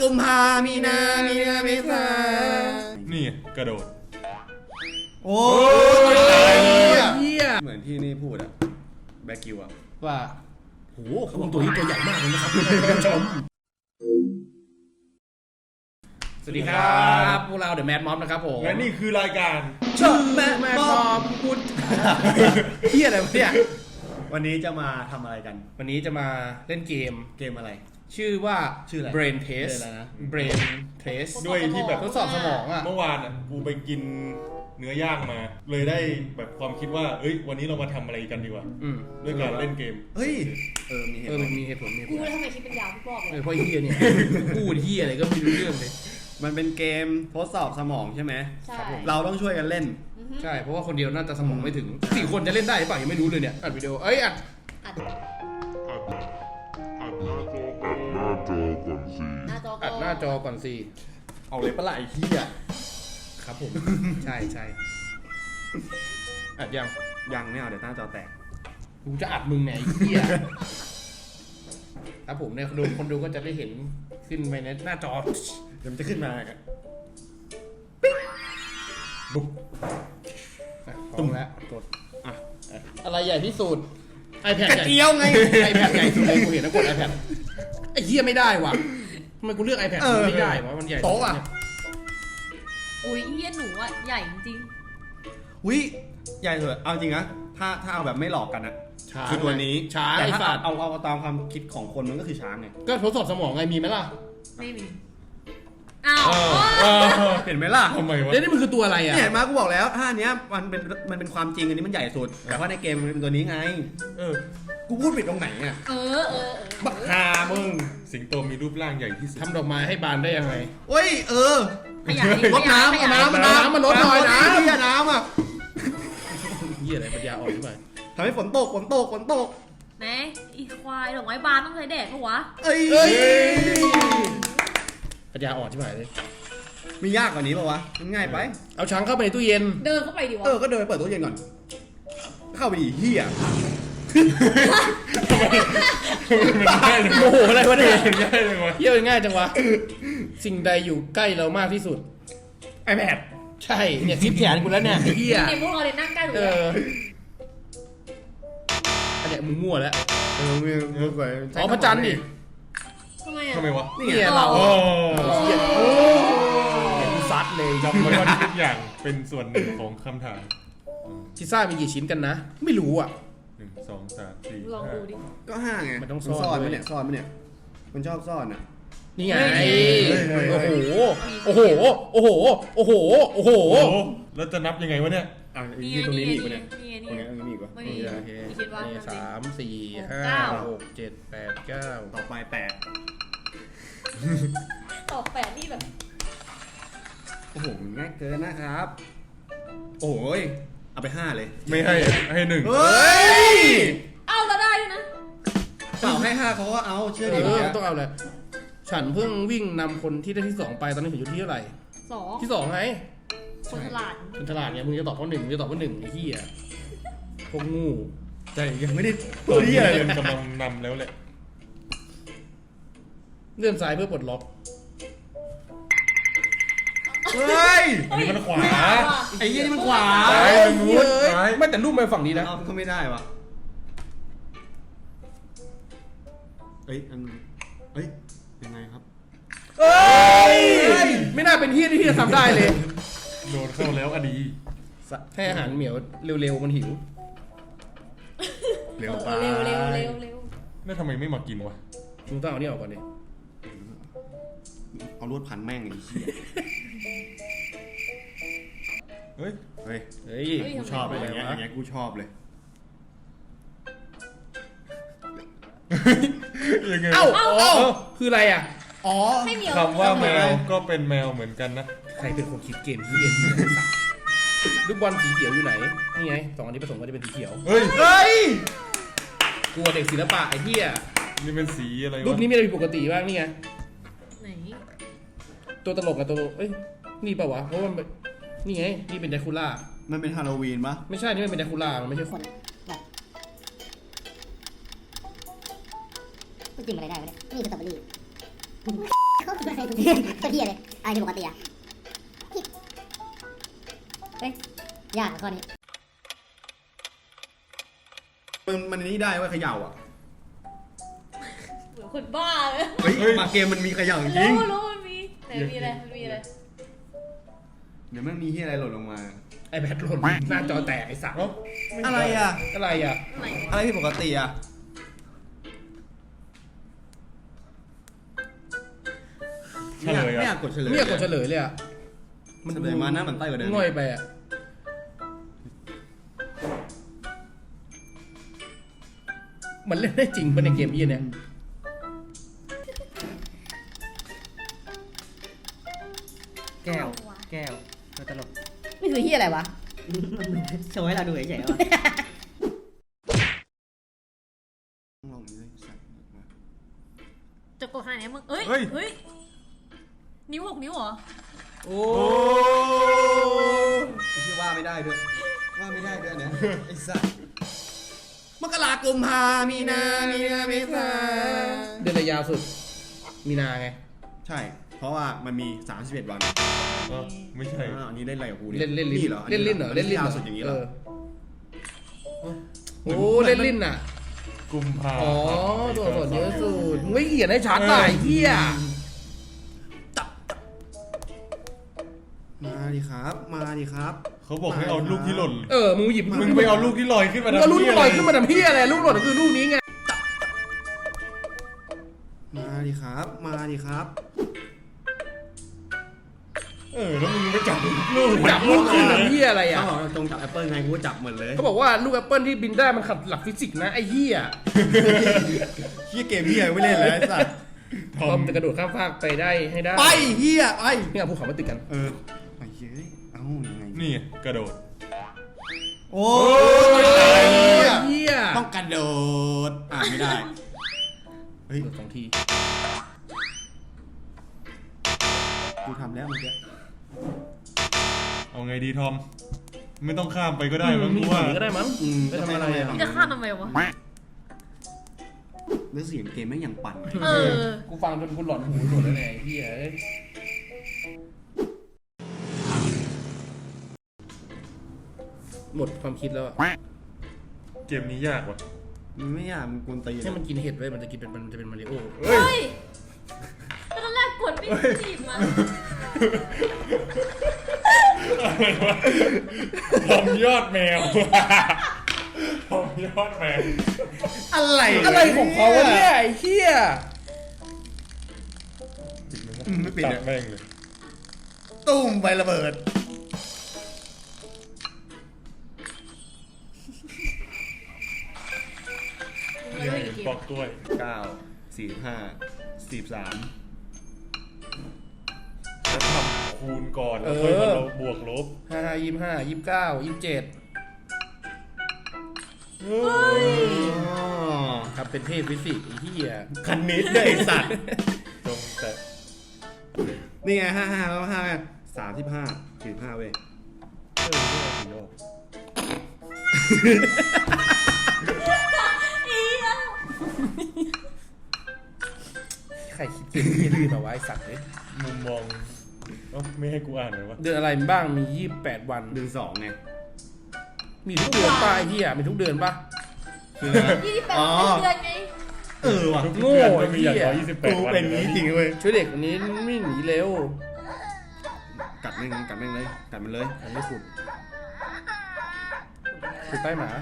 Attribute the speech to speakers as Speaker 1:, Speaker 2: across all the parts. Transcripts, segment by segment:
Speaker 1: กุมภามีนาเมษา
Speaker 2: นี่กระโดด
Speaker 1: โอ้ยเฮียเหมือนที่นี่พูดอะแบกิวอะว่าโหคุณตัวนี้ตัวใหญ่มากเลยนะครับท่านผู้ชมสวัสดีครับพวกเราเดอะแมดม็อบนะครับผม
Speaker 2: และนี่คือรายการ
Speaker 1: ชมแมดม็อบพูดเฮียอะไรวะเนี่ยวันนี้จะมาทำอะไรกัน
Speaker 3: วันนี้จะมาเล่นเกม
Speaker 1: อะไร
Speaker 3: ชื่อว่า Brain Test Brain Test
Speaker 2: ด้วยที่แบบ
Speaker 3: ทดสอบสมองอ่ะ
Speaker 2: เมื่อวานอ่ะกูไปกินเนื้อย่างมาเลยได้แบบความคิดว่าเอ้ยวันนี้เรามาทำอะไรกันดีวะด้วยการเล่นเกม
Speaker 1: เฮ้ย
Speaker 3: มีเหตุผล
Speaker 4: กูทำไมคิดเป็นยาวพี่บอกเลย
Speaker 3: เพราะเฮียเนี่ยพูดเฮียอะไรก็ไม่รู้เรื่องเลย
Speaker 1: มันเป็นเกมทดสอบสมองใช่ไหม
Speaker 4: ใช่
Speaker 1: เราต้องช่วยกันเล่น
Speaker 3: ใช่เพราะว่าคนเดียวน่าจะสมองไม่ถึง4 คนจะเล่นได้หรือเปล่ายังไม่รู้เลยเนี่ยอัดวิดีโออัดหน้าจอก่อนสิ
Speaker 1: เอาเลยปะไหล่เฮีย
Speaker 3: ครับผมใช่อัด
Speaker 1: ยังไม่เอาเดี๋ยวหน้าจอแตก
Speaker 3: กูจะอัดมึงไงเฮียครับผมเนี่ยคนดูก็จะได้เห็นขึ้นไปในหน้าจอ
Speaker 1: เดี๋ยวมันจะขึ้นมา
Speaker 3: บุ๊บตรงแล้วกดอะไรใหญ่ที่สุด iPad ใหญ่
Speaker 1: เกียวไง
Speaker 3: iPad ใหญ่สุดเลยกูเห็นแล้วกด iPad ไอ้เหี้ยไม่ได้ว่ะทำไมกูเลือก iPad ไม่ได้วะมันใหญ่
Speaker 1: โต๊ะอ่ะ
Speaker 4: อุ้ยเฮียหนูอ่ะใหญ่จริง
Speaker 1: อุ้ยใหญ่เลยเอาจริงนะถ้าเอาแบบไม่หลอกกันอะคือตัวนี้
Speaker 3: ช้าง
Speaker 1: แต่ถ้าเอาตามความคิดของคนมันก็คือช้างไง
Speaker 3: ก็ทดสอบสมองไงมีไหมล่ะ
Speaker 4: ไม่มีอ้าว
Speaker 1: เห็นไหมล่ะ
Speaker 2: ทำไมวะ
Speaker 3: นี่มันคือตัวอะไรอ่ะ
Speaker 1: เนี่ยมากูบอกแล้วท่านี้มันเป็นความจริงอันนี้มันใหญ่สุดแต่ว่าในเกมมันเป็นตัวนี้ไงกูพูดผิดตรงไหนอ่ะบักฮามึง
Speaker 2: สิงโตมีรูปร่างใหญ่ที่สุด
Speaker 3: ทำดอกไม้ให้บานได้ยังไง
Speaker 1: เฮ้ยรดน้ำ
Speaker 3: มันลดหน่อยนะ
Speaker 1: เหี้ยน้ำอ่ะ
Speaker 3: เหี้ยอะไรปัญญาอ่อนขึ้นมา
Speaker 1: ทำให้ฝนตก
Speaker 4: แม่อีควายดอกไม้บานต้องใช้แดดปะวะ
Speaker 1: เอ้ย
Speaker 3: ปัญญาอ่อนใช่ไหมเลย
Speaker 1: มียากกว่านี้ป่าวะมันง่ายไป
Speaker 3: เอาช้างเข้าไปในตู้เย็น
Speaker 4: เดินเข้าไปดิวะ
Speaker 1: ก็เดินไปเปิดตู้เย็นก่อนเข้าไปดิเฮีย
Speaker 2: มันง่ายเลย
Speaker 3: โอ้โหอะไรวะเนี่ย
Speaker 2: ง่ายเลยวะ
Speaker 3: เยี่ยง่ายจังวะสิ่งใดอยู่ใกล้เรามากที่สุด
Speaker 1: iPad
Speaker 3: ใช่เนี่ยทิปแขนกูแล้วเนี่ยเฮีย
Speaker 4: ในพวกเราเลยนั่งใกล้หนู
Speaker 3: อันเนี้ยมึงมั่วแล้ว
Speaker 1: มึงไป
Speaker 3: อ๋อพระจันทร์ดิ
Speaker 2: ทำไมวะ
Speaker 3: นี่เราเฮียกูซัดเลย
Speaker 2: จำไว้ว่าทุกอย่างเป็นส่วนหนึ่งของคำถาม
Speaker 3: พิซซ่ามีกี่ชิ้นกันนะไม่รู้อ่ะ
Speaker 2: 1 2 3 4
Speaker 4: ลองดูดิ
Speaker 1: ก็5ไง
Speaker 3: มันต้องซ่
Speaker 1: อนไหมเนี่ยซ่อนไหมเนี่ยมันชอบซ่อนอ่ะ
Speaker 3: นี่ไงโอ้โห
Speaker 2: แล้วจะนับยังไงวะเนี่ย
Speaker 1: ตรงนี้มีอีกเนี่ย
Speaker 4: ตรงนี้
Speaker 1: มีอีกวะ
Speaker 4: มีคิดว่า
Speaker 3: 3 4 5 6 7 8 9
Speaker 1: ต่อไป
Speaker 4: ตอบ8นี่แบบ
Speaker 1: โอ้โหง่ายเกินนะครับโอ้ยเอาไป5เลย
Speaker 2: ไม่ให้1
Speaker 1: เฮ้ย
Speaker 4: เอาเราได้ด้วยนะ
Speaker 1: เปล่าให้5เขาก็เอาเชื่อดิ
Speaker 3: ต้องเอาเลยฉันเพิ่งวิ่งนำคนที่ได้ที่2ไปตอนนี้ถึงอยู่ที่เท่าไหร่
Speaker 4: 2
Speaker 3: ที่2ไง
Speaker 4: คนฉลา
Speaker 3: ดไงมึงจะตอบข้อ1มึงจะตอบข้อ1ไอ้เหี้ยพวกงู
Speaker 1: ใจยังไม่ได้
Speaker 2: ตัวที่อะไรกำลังนำแล้วแหละ
Speaker 3: เลื่อนซ้ายเพื่อปลดล็อก
Speaker 1: เฮ้ย
Speaker 2: อันนี้มันขวา
Speaker 1: ไอ้ยี่นี่มันขวา
Speaker 3: ไม่แต่รูปมาฝั่งนี้นะ
Speaker 1: ก็ไม่ได้วะเฮ้ยยังไงครับ
Speaker 3: ไม่น่าเป็นที่ที่จะทำได้เลย
Speaker 2: โดนเข้าแล้วอดี
Speaker 3: ให้อาหารเหมียวเร็วๆมันหิว
Speaker 1: เร็ว
Speaker 2: แล้วทำไมไม่มากินวะ
Speaker 3: มึงต้องเอานี่ออกก่อนดิ
Speaker 1: เอาลวดพันแม่งไอ้เหี้ยเฮ้ยกูชอบเลยอย่างเงี้ยกูชอบเลย
Speaker 3: เอ้าคืออะไรอ่ะ
Speaker 1: อ๋อ
Speaker 2: คำว่าแมวก็เป็นแมวเหมือนกันนะ
Speaker 3: ใครเป็นคนคิดเกมที่เรียนลูกบอลสีเขียวอยู่ไหนนี่ไง2 อันนี้ผสมกันจะเป็นสีเขียว
Speaker 1: เฮ้ย
Speaker 3: กลัวเด็กศิลปะไอ้เหี้ย
Speaker 2: นี่เป็นสีอะไรวะ
Speaker 3: รูปนี้มีอะไรผิดปกติบ้างนี่ไง
Speaker 4: ไหน
Speaker 3: ตัวตลกกับตัวนี่ป่าวะเพราะว่านี่ไงนี่เป็นแดคูล่า
Speaker 1: มันเป็นฮาโลวีนปะ
Speaker 3: ไม่ใช่นี่มันเป็นแดคูล่ามันไม่ใช่คน
Speaker 5: กินอะไรได้วะเนี่ยนี่คือสตรอเบอรี่ก็เทียเลยอะไรที่ปกติอ่ะเฮ้ยยากข้อนี้
Speaker 1: มันนี่ได้ว่าเขย่าอ่ะ
Speaker 4: เหมือนคนบ้าเลย
Speaker 1: เฮ้ยมาเกมมันมีเขย่าจริง
Speaker 4: รู้มันมีไหนมีอะไรมันมีอะไร
Speaker 1: เดี๋ยวมันมีที่อะไรหล่นลงมา
Speaker 3: ไอแพดหล่นหน้าจอแตกไอสัตว์
Speaker 1: อะไรอ่ะ
Speaker 3: อะไรอ่ะ
Speaker 4: อะไร
Speaker 1: อะไรที่ปกติอ่ะ
Speaker 2: เฉลย
Speaker 1: ไม่อ
Speaker 2: อ่ะ
Speaker 1: ยากกดเฉลย
Speaker 3: ไม่อยากกดเฉลยเลยอ่ะ
Speaker 1: มันเลยมาหน้ามันใต้กว่าเดิม
Speaker 3: ง่อยไปอ่ะมันเล่นได้จริงปะในเกมยี่เนี่ย
Speaker 6: แก้วตัวตลก
Speaker 5: นี่คือเฮียอะไรวะ
Speaker 6: โชว์ให้เราดูเฉยๆว่า
Speaker 1: ลองดูดิสัตว์มา
Speaker 4: จะกดขนาดไหนมึงเอ้ยเฮ้ยนิ้ว6 นิ้วเหรอ
Speaker 3: โอ้
Speaker 1: ที่ว่าไม่ได้ด้วยว่าไม่ได้ด้วยเนี่ยไอ้สัตว์มกราคมมีนาเมษา
Speaker 3: เดือนอะไรยาวสุด มีนาไง
Speaker 1: ใช่ เพราะว่ามันมี31วัน
Speaker 2: ก็ไม่ใช่
Speaker 1: อันนี้เล่นอะไรกับกูเนี่ย
Speaker 3: เล่นลิ้น
Speaker 1: นี่เหรอ
Speaker 3: เล่นลิ้นเหรอเล่นลิ้น
Speaker 1: ยาว
Speaker 3: เหรอ
Speaker 1: สุดอย่างนี้เหรอ
Speaker 3: โอ้เล่นลิ้นอ่ะ
Speaker 2: กุมภา
Speaker 3: อ๋อตัวอักษรเยอะสุดมึงไม่เขียนให้ชัดหน่อยเฮีย
Speaker 1: มาดิครับ มาดิครับ
Speaker 2: เขาบอกให้เอาลูกที่หล่น
Speaker 3: มึงหยิบ
Speaker 2: มึงไปเอาลูกที่ลอยขึ้นมา
Speaker 3: ก็ลูกที่ลอยขึ้นมาทำเฮียอะไรลูกหล่นคือลูกนี้ไง
Speaker 1: มาดิครับ มาดิครับ
Speaker 2: แล้วมึงไปจับลูก
Speaker 3: จับลูกขึ้นทำเฮียอะไรอ่ะ
Speaker 1: เขาบอกตรงจับแอปเปิลไงกูก็จับเหมือนเลย
Speaker 3: เขาบอกว่าลูกแอปเปิลที่บินได้มันขัดหลักฟิสิกส์นะไอ้เฮีย
Speaker 1: เฮียเกมเฮียไม่เล่นแล้วไอ้สัตว์
Speaker 3: ทอมจะกระโดดข้ามฟากไปได้ให้ได้
Speaker 1: ไปเฮียไป
Speaker 3: นี่เอาภูเขามาติดกัน
Speaker 1: ไปเฮ้ยเอ้ายังไง
Speaker 2: นี่กระโดด
Speaker 1: โอ้
Speaker 3: ย
Speaker 1: ย
Speaker 3: เฮีย
Speaker 1: ต้องกระโดดไม่ได้ เฮ้ย
Speaker 3: โดด2 ที
Speaker 1: กูทำแล้วเมื่อกี้
Speaker 2: เอาไงดีทอม ไม่ต้องข้ามไปก็ได้มั้ง
Speaker 3: มี
Speaker 2: กู
Speaker 3: ฝั่
Speaker 2: ว่า
Speaker 3: งนี้ก็ได้มั้งไปทำอะไรอ่ะ
Speaker 4: มึงจะข้ามทำไมวะ
Speaker 1: แล้วเสียงเกมไม่งยังปั่น
Speaker 4: เออ
Speaker 3: กูฟังจนกูหลอนหูหมดแล้วเนี่ยไอ้เฮียหมดความคิดแล้วอะ
Speaker 2: เกมนี้ยากว่ะ
Speaker 1: มันไม่อยากมันกวนตีน
Speaker 3: ให้มันกินเห็ดไว้มันจะกินเป็นมันจะเป็นมาริโอ
Speaker 4: เฮ้ยตอนแรกกดไม่จีบมัน
Speaker 2: อะไรวะทอมยอดแมวทอมยอดแมว
Speaker 3: อะไรของเขาวะเนี่ยไอ้เฮีย
Speaker 1: ไม่ปิด
Speaker 2: ตัดแม่งเลย
Speaker 1: ตุ้มไประเบิด
Speaker 2: เรื่องปอกกล้วย
Speaker 1: 9 45 43
Speaker 2: แล้วทำคูณก่อนแล้วค่อยมาบวกลบ
Speaker 3: 25 29 27ทำเป็นเทพฟิสิกส์ไอ้เฮีย
Speaker 1: คันนิดเลยไอ้สัตว์
Speaker 2: จงแต่
Speaker 1: นี่ไง55แล้ว5 35 45เว้ย
Speaker 3: ใครคิดเกมนี้ลืมเอาไว้สัตว์เลย
Speaker 2: มุมมองไม่ให้กูอ่านเลยวะ
Speaker 3: เดือนอะไรบ้างมี28 วัน
Speaker 1: เดือน2ไง
Speaker 3: มีทุกเดือนป่ะไอ้เฮียมีทุกเดือนป่ะ
Speaker 1: คืออะไร
Speaker 4: 28 เดือนไง
Speaker 1: ว่ะ
Speaker 2: ทุกเดือนมันมีอย่างน้อย
Speaker 1: กู
Speaker 2: 28 วัน
Speaker 1: เป็นนี้จริงเว้ย
Speaker 3: ช่วยเด็กคนนี้ไม่หนีเร็ว
Speaker 1: กัดแม่งเลยกัดมันเลย
Speaker 3: มันไม่ขุดขุดใต้หมา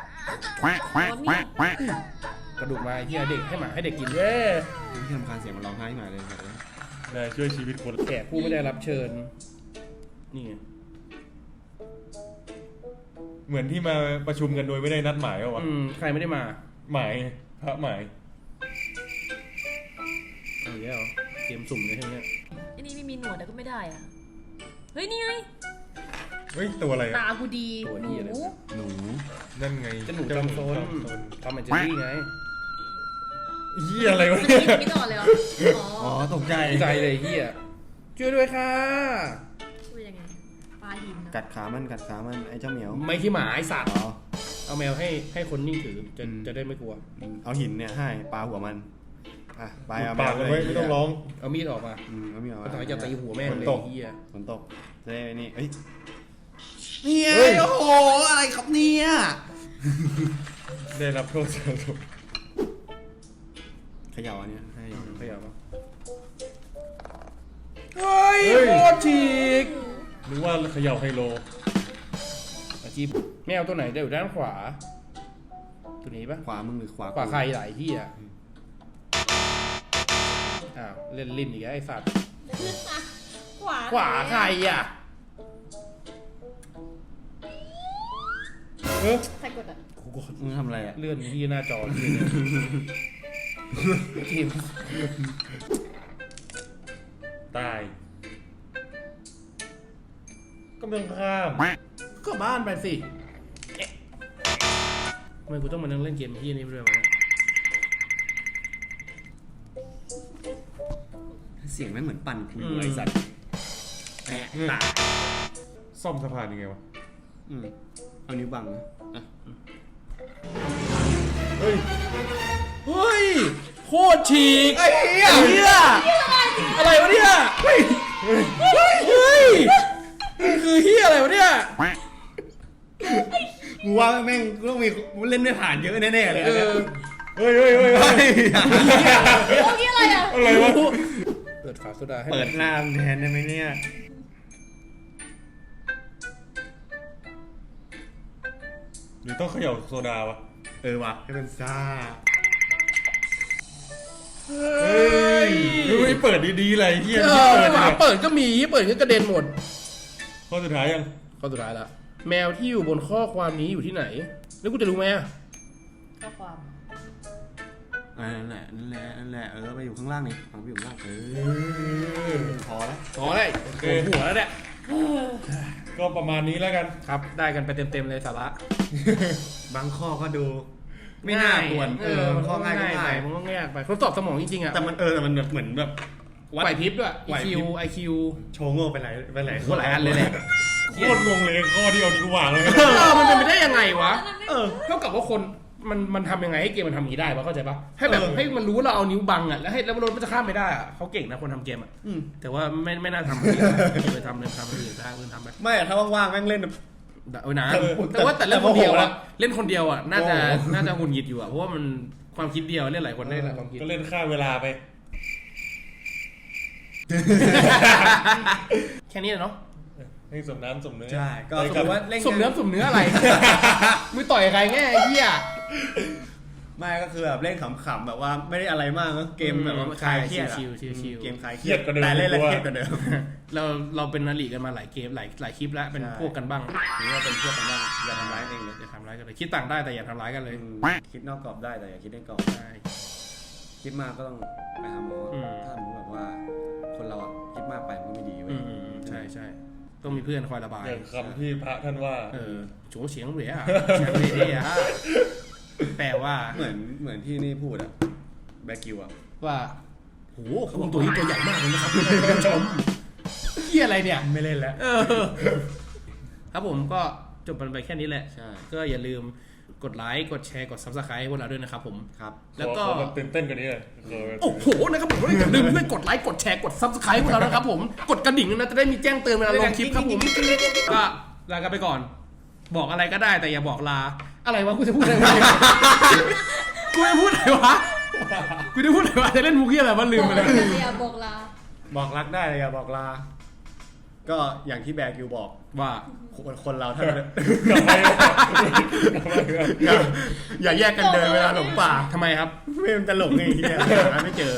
Speaker 3: กระดูกมาไอ้เฮียเด็กให้หมาให้เด็กกินเว้ย
Speaker 1: ที่ทำคานเสียงมันร้องไห้มาเลยกัดเลย
Speaker 2: ได้ช่วยชีวิตคน
Speaker 3: แขกผู้ไม่ได้รับเชิญ นี่ไง
Speaker 2: เหมือนที่มาประชุมกันโดยไม่ได้นัดหมายว่ะ
Speaker 3: ใครไม่ได้มา
Speaker 2: หมายพระหมาย
Speaker 3: เอาอีกแล้วเหรอเกมสุ่มเลยใช่ไหมเนี่ย
Speaker 4: ไอ้นี่ไม่มีหนวดแต่ก็ไม่ได้อ่ะ เฮ้ยนี่ไง
Speaker 2: เฮ้ยตัวอะไร
Speaker 4: ตา
Speaker 2: อ่ะ
Speaker 4: กูดี
Speaker 3: ตัว
Speaker 4: ห
Speaker 3: นี้
Speaker 4: นู
Speaker 3: อะไรวะ
Speaker 1: หนู
Speaker 2: นั่นไง
Speaker 3: จะหนูจอมโซนทำแมนเจอรี่ไง
Speaker 2: เหี้ยอะไรวะ
Speaker 4: มัน
Speaker 2: เนี่
Speaker 4: จะ
Speaker 2: ย
Speaker 4: ไม่นอนเลยเหรออ๋อ
Speaker 1: ตกใจ
Speaker 3: ใจเลยเฮียช่วยด้วยค่ะ
Speaker 4: ช่วยยังไงปลาหินนะ
Speaker 1: กัดขามันไอ้เจ้าเหมียว
Speaker 3: ไม่ที่หมาไอสัตว์
Speaker 1: อ๋อ
Speaker 3: เอาแมวให้คนนิ่งถือจะได้ไม่กลัว
Speaker 1: เอาหินเนี่ยให้ปลาหัวมันอ่ะไป
Speaker 2: ปากกันไว้ไม่ต้องร้อง
Speaker 3: เอามีดออกมา
Speaker 1: เอามีดออกมา
Speaker 3: ตอนจะตีหัวแม่งเลย
Speaker 2: ฝนตก
Speaker 3: เฮีย
Speaker 1: ฝนตกจะได้นี่เอ้ยเนี่ย
Speaker 2: เฮ้ย
Speaker 1: โอ้โหอะไรครับเนี่ย
Speaker 2: ได้รับโทษสะสม
Speaker 1: เขย่าอันเนี้ยให้
Speaker 3: ขยับมาเฮ้ยโคตรฉีก
Speaker 2: นึกว่าเขย่าไฮโล
Speaker 3: อาชีพแมวตัวไหนจะอยู่ด้านขวา ตัวนี้ปะ
Speaker 1: ขวามึงหรือขวา
Speaker 3: ขวาใครหลายที่อ่ะอ้าวเล่นลิ้นอีกแล้วไอ้สัตว์
Speaker 4: ขวา
Speaker 3: ขวาใครอ่ะ
Speaker 4: ใครกดอ่ะ
Speaker 3: กูกด
Speaker 1: มึงทำอะไรอ่ะ
Speaker 3: เลื่อนที่หน้าจอทีม
Speaker 2: ตายก็ไม่ต้องข้าม
Speaker 3: ก็บ้านไปสิเอ๊ะทำไมกูต้องมานั่งเล่นเกมที่นี่เรื่องวะ
Speaker 1: เสียงไม่เหมือนปั่นกูเลยสัตว์แอะตา
Speaker 2: ซ่อมสะพานยังไงวะ
Speaker 1: เอานิ้วบังนะอ่ะ
Speaker 2: เฮ้ย
Speaker 3: เฮ้ยโคตรฉีกไอ้เหี้ยอะไรวะเนี่ยเฮ้ยคือเหี้ยอะไรวะเนี่ย
Speaker 1: กูว่าแม่งกูต้องมีเล่นไม่ผ่านเยอะแน่ๆเลย
Speaker 3: เออ
Speaker 2: เฮ้ยเฮ้ยเฮ้ยเฮ้ย
Speaker 4: เมื่อกี้อะไรอ่ะ
Speaker 2: อะไรวะ
Speaker 3: เปิดฝาโซดาให้
Speaker 1: เปิดหน้าแทนได้ไหมเนี่ย
Speaker 2: หรือต้องเขย่าโซดาวะ
Speaker 1: เออว่ะให้เป็นซ่า
Speaker 2: เฮ้ยดูไม่เปิดดีๆเลยเฮีย
Speaker 3: เอ
Speaker 2: เปิด
Speaker 3: ฝา
Speaker 2: เนี่ย
Speaker 3: เปิดก็มีเปิดก็กระเด็นหมด
Speaker 2: ข้อสุดท้ายยัง
Speaker 3: ข้อสุดท้ายละแมวที่อยู่บนข้อความนี้อยู่ที่ไหน แล้วกูจะรู้ไหมอะ
Speaker 4: ข้อความ
Speaker 1: นั่นแหละนั่นแหละนั่นแหละไปอยู่ข้างล่างนี่ฟังไปอยู่ข้างล่างพอแล้ว
Speaker 3: พอได้โกนหัวแล้วเนี่ย
Speaker 2: ก็ประมาณนี้แล้วกัน
Speaker 3: ครับได้กันไปเต็มๆเลยสาระ
Speaker 1: บางข้อก็ดู ไม่น่ากวน
Speaker 3: มัน
Speaker 1: ข้อง่ายก็
Speaker 3: ไป
Speaker 1: ง่าย
Speaker 3: มันก็ง่ายไปทดสอบสมองจริงๆอะ
Speaker 1: แต่มันแต่มันแบบเหมือนแบบวัด
Speaker 3: ไหวพริบด้วย
Speaker 1: ไหวพริ
Speaker 3: IQ
Speaker 1: บ
Speaker 3: IQ
Speaker 1: โชว์โง่ไปหลาย
Speaker 3: โคตรหลายอันเลยแหละ
Speaker 2: โคตรงงเลยข้อที่เอานิ้ววางเลย
Speaker 3: มันเป็นไปได้ยังไงวะ
Speaker 1: เออ
Speaker 3: เท่ากับว่าคนมันทำยังไงให้เกมมันทำอย่างนี้ได้ปะเข้าใจปะให้แบบให้มันรู้ว่าเราเอานิ้วบังอะแล้วให้แล้วรถมันจะข้ามไม่ได้อะเขาเก่งนะคนทำเกมอะแต่ว่าไม่น่าทำเลยทำอื่นได้เพื่อนทำไป
Speaker 1: ไม่ถ้าว่างๆแม่งเล่น
Speaker 3: เออนะแต่ว่าแต่เล่นคนเดียวอะเล่นคนเดียวอะน่าจะหงุดหงิดอยู่อะเพราะว่ามันความคิดเดียวเล่นหลายคนได้หลายความคิด
Speaker 2: ก็เล่นค่าเวลาไป
Speaker 3: แค่นี้เนาะ
Speaker 2: ให้สมน้ำสมเนื้อ
Speaker 1: ใช่ก็
Speaker 2: ไป
Speaker 1: สม
Speaker 2: กั
Speaker 1: ม
Speaker 2: บ
Speaker 1: ติว่าเล่น
Speaker 3: สมเนื้อสมเนื้ออะไร มือต่อยใครแง่ไอ้เหี้ย
Speaker 1: ไม่ก็คือแบบเล่นขำๆแบบว่าไม่ได้อะไรมากนะเกมแบบว่าคลายเครียดอะ
Speaker 3: ชิว
Speaker 1: เกมคลายเค
Speaker 2: เค
Speaker 1: รี
Speaker 2: รี
Speaker 1: ย
Speaker 2: ย
Speaker 1: ด
Speaker 2: ดกว่าเดิม
Speaker 1: แต่เล่นแล้ว
Speaker 2: กว่า
Speaker 1: เครียดกว่าเดิม
Speaker 3: เราเป็นนาลีกันมาหลายเกมหลายคลิปแล้วเป็นพวกกันบ้าง
Speaker 1: หรือว่าเป็นพวกกันบ้างอย่าทำร้ายเองเลย
Speaker 3: อย่าทำร้ายกันเลยคิดต่างได้แต่อย่าทำร้ายกันเลย
Speaker 1: คิดนอกกรอบได้แต่อย่าคิดในกรอบ
Speaker 3: ใช่
Speaker 1: คิดมากก็ต้องไปหาหมออ
Speaker 3: ม
Speaker 1: ถ้าสมมติแบบว่า คนเราอะคิดมากไปมันก็ไม่ดีเว้ย
Speaker 3: ใช่ต้องมีเพื่อนคอยระบาย
Speaker 2: อย่างคำที่พระท่านว่า
Speaker 3: โฉเฉียงเหรียเฉียงเหรียแปลว่า
Speaker 1: เหมือนที่นี่พูดอะแบกิวอะ
Speaker 3: ว่าโหคุณตัวนี้ตัวใหญ่มากเลยนะครับคุณผู้ชมเหี้ยอะไรเนี่ย
Speaker 1: ไม่เล่นแล้ว
Speaker 3: ครับผมก็จบกันไปแค่นี้แหละ
Speaker 1: ใช่
Speaker 3: ก็อย่าลืมกดไลค์กดแชร์กด Subscribe ให้พวกเราด้วยนะครับผม
Speaker 1: ครับ
Speaker 3: แล้วก็
Speaker 2: ขอแบบตื่นเต้นกว่านี้เลยขอแบบ
Speaker 3: โอ้โหนะครับผมอย่าลืมด้วยกดไลค์กดแชร์กด Subscribe พวกเรานะครับผมกดกระดิ่งนะจะได้มีแจ้งเตือนเวลาลงคลิปครับผมก็ลากันไปก่อน บอกอะไรก็ได้แต่อย่าบอกลาอะไรวะกูจะพูดอะไรวะกูจะพูดอะไรวะกูจะพูดอะไรวะจะเล่นมุกเหี้ยอะไรวะลืมไปเลย
Speaker 4: อย่าบอกลา
Speaker 1: บอกรักได้แต่อย่าบอกลา ก็อย่างที่แบกิวบอก
Speaker 3: ว่า
Speaker 1: คนเราถ้า
Speaker 2: กลับไป
Speaker 1: อย่าแยกกันเดินเวลาหลงป่า
Speaker 3: ทำไมครับ
Speaker 1: ไม่มันจะหลงไงเฮียหาไม่เจอ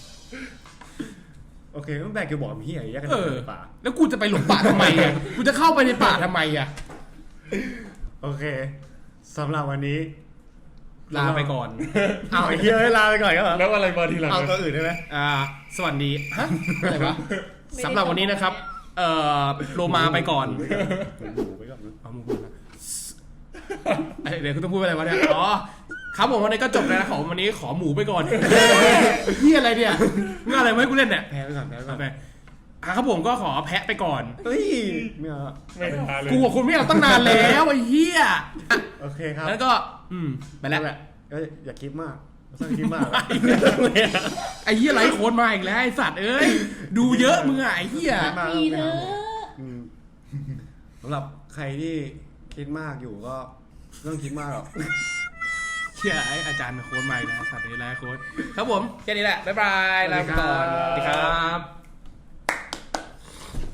Speaker 1: โอเคต้องแบกิวบอกเฮียอย่าแยกกันเดินในป่า
Speaker 3: แล้วกูจะไปหลงป่าทำไมอ่ะกูจะเข้าไปในป่าทำไมอ่ะ
Speaker 1: โอเคสำหรับวันนี้
Speaker 3: ลาไปก่อน
Speaker 1: เอาไอ้เฮียลาไปก่อนครับ
Speaker 2: แล้วอะไรมาทีหลัง
Speaker 1: เอาตัวอื่นได้ไหม
Speaker 3: สวัสดีฮะอะไรวะสำหรับวันนี้นะครับโลมาไปก่อน
Speaker 1: หมูไปก่อนนะ
Speaker 3: เอามึงพูดนะเดี๋ยวคุณต้องพูดอะไรวะเนี่ยอ๋อครับผมวันนี้ก็จบแล้วนะของวันนี้ขอหมูไปก่อนนี่อะไรเนี่ยมึงอะไรไม่ให้กูเล่นเนี่ย
Speaker 1: แพ้ไปก่อนแพ้ไปก่อน
Speaker 3: ไปครับผมก็ขอแพะไปก่อน
Speaker 1: เฮ้ยไม่เอา
Speaker 2: ไม่ทาเลย
Speaker 3: กูกับคุณไม่เอาตั้งนานแล้วไอ้เหี้ย
Speaker 1: โอเคครับ
Speaker 3: แล้วก็ไปแล้ว
Speaker 1: ก็อย่าคิดมากสร้างคิดมาก
Speaker 3: ไอ้เหี้ยไรโคนมาอีกแล้วไอ้สัตว์เอ้ยดูเยอะมึงอ่ะไอ้เหี้ย
Speaker 4: ดีเถอะ
Speaker 1: สำหรับใครที่คิดมากอยู่ก็ไม่ต้องคิดมากหรอก
Speaker 3: เชี่ยไอ้อาจารย์โค้ดมาอีกแล้วสัตว์ไอ้ไรโค้ดครับผมแค่นี้แหละบ๊ายบายลาไปก่อนสวัสดีครับ